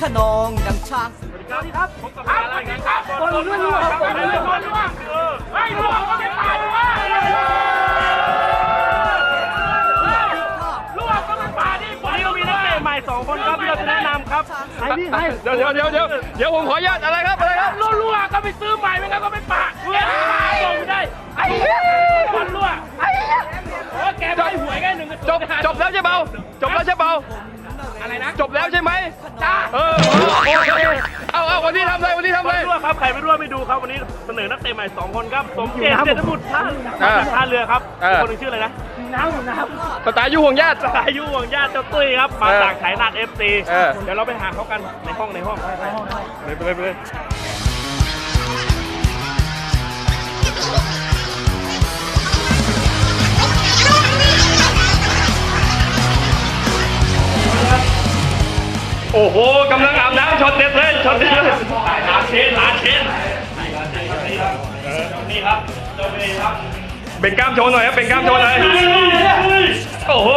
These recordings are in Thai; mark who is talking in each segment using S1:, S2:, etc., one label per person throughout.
S1: นองดังช้าง
S2: สวัสดีครับผมกับอะไรกันครับบอลล่วงครับบอลล่วงไม่ล่วงก็ไม่ตายว่าล่วงก็ไม่ตายดิวันนี้เรามีนักเตะใหม่2 คนครับที่เราจะแนะนำครับไอ้นี่ไง
S3: เดี๋ยวผมขออนุญาตอะไรครับ
S2: ล่วงก็ไปซื้อใหม่ไม่งั้นก็ไม่ปะลงไม่ได้ไอ้บอลล่วงโอ้แกไม่หวยแค่1
S3: จบแล้วใช่เปล่า
S2: อะไรนะ
S3: จบแล้วใช่ไหม
S2: จ้า
S3: โอเคเอาวันนี้ทำอะไร
S2: รั่วครับใครไม่รั่วไม่ดูครับวันนี้เสนอนักเตะใหม่2 คนครับสมเกียรติเจตบุตรท่าเรือครับคนหนึ่งชื่ออะไรนะน้ำ
S3: สไตล์ยุห่วงญาติ
S2: เจ้าตุ้ยครับมาจากไถนาด FC เดี๋ยวเราไปหาเขากันในห้องไปเลย
S3: โอ้โหกำลังอาบน้ำช็อตเด็ดเลย
S2: ลาเชนนี่ครับเจ้าเบย์ครับ
S3: เป็นกล้ามโชว์หน่อยครับเป็นกล้ามโชว์หน่อยโอ้โห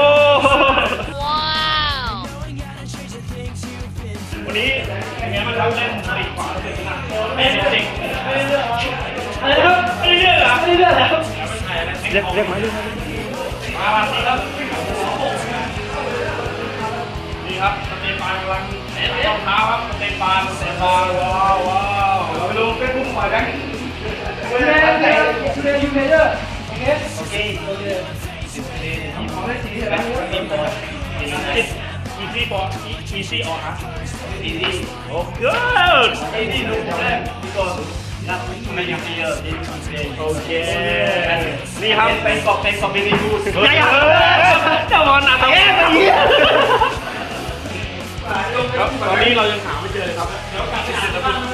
S2: วันนี้เป็นไงมันทำเล่นติดขวาติดหนักไม่ได้จริงอะไรครับไม่ได้เรื่องแล้วเรียกมามาสิครับนี่ครับสเตปานกำลังรองเท้าครับสเตปานว้าวเราไปดูเฟซบุ๊กหน่อยกันยูเมเดอร์โอเคของได้สีใช่ไหมeasy or hard easy oh good easy ดูได้ดีกว่านับไม่ยังเยอะโอเคนี่ครับเป็นกอบเป็นดีดูใหญ่เจ้าบอลหนักครับตอนนี้เรายังหาไม่เจอเลยครับแล้วการติดตาม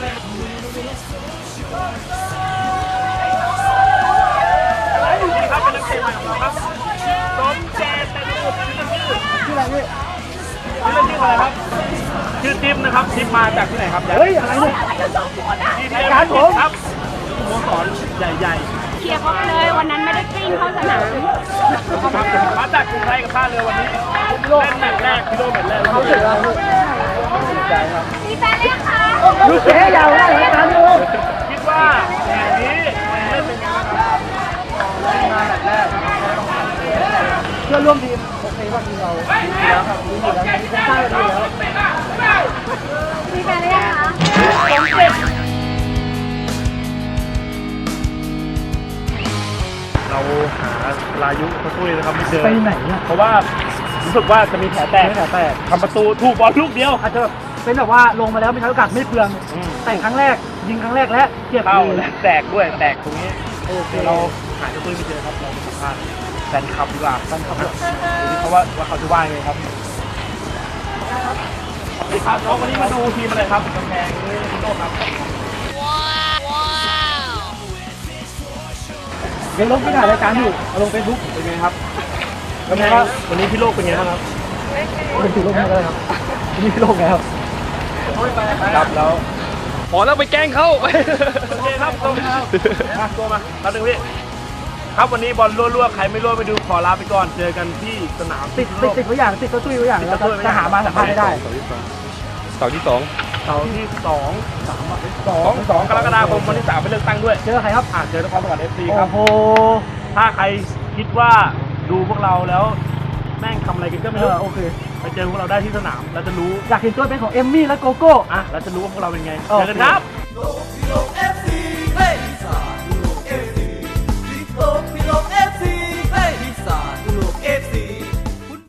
S2: นี่ครับเป็นนักเตะใหม่ของเราครับสมเจตบุตรชื่ออะไรพี่ชื่ออะไรครับชื่อทิพย์นะครับทิพย์มาจากที่ไหนครับเฮ้ยอะไรเนี่ยที่รายการผมครับสโมสรใหญ่
S4: เคลียร์เขาไปเลยวันนั้นไม่ได้กลิ้งเข้าสนาม
S2: มาจากกรุงไทยกับท่าเรือวันนี้เล่นแมตช์แรกพิโลแมตช์แรกเขาเสร็จแล้ว
S4: มีแฟนเรียกค่ะ
S2: รู้เสียยาวเลยการดูคิดว่าแมตช์นี้เล่นเป็นไงบ้างครับเล่นมาแมตช์แรกเพื่อนร่วมทีมโอเคว่าทีมเราแล้วครับรู้อยู่แล้วมีท่าเรือแล้ว
S4: มีแฟนเรียกค่ะ
S2: เราหาลายุเขาช่วยนะครับไม่เจอไปไหนเนี่ยเพราะว่ารู้สึกว่าจะมีแผลแตกทำประตูถูกบอลลูกเดียวอาจจะเป็นแบบว่าลงมาแล้วไม่ใช้โอกาสไม่เปลืองแต่ครั้งแรกยิงครั้งแรกและเจ็บเลยแตกด้วยแตกตรงนี้เราหาเจ้าตุ้ยไม่เจอครับเราสัมภาษณ์แฟนคลับดีกว่าแฟนคลับเพราะว่าเขาจะว่าไงครับครับวันนี้มาดูทีมอะไรครับกำแพงโลกครับยังลงไม่ถ่ายรายการอยู่ลงเฟซบุ๊กเป็นไงครับแล้วไงครับวันนี้พี่โลกเป็นไงบ้างครับเป็นพี่โลกแล้วครับวันนี้พี่โลกแล้วครับแล้ว
S3: พอแล้วไปแกล้งเขา
S2: โอเคครับตัวมาตัดหนึ่งพี่ครับวันนี้บอลรั่วใครไม่รั่วไปดูขอลาไปก่อนเจอกันที่สนามติดตัวอย่างติดตัวตุ้ยตัวอย่างจะหามาสัมภาษณ์ไม่ได้
S3: เสาร์ที่ 2
S2: กรกฎาคมวันที่ 3ไปเลือกตั้งด้วยเจอใครครับเจอนครสวรรค์ FC ครับโอ้โหถ้าใครคิดว่าดูพวกเราแล้วแม่งทำอะไรกันก็ไม่รู้โอเคไปเจอพวกเราได้ที่สนามเราจะรู้อยากเห็นตัวเป็นของเอมมี่และโกโก้เราจะรู้ว่าพวกเราเป็นไงเจอกันครับ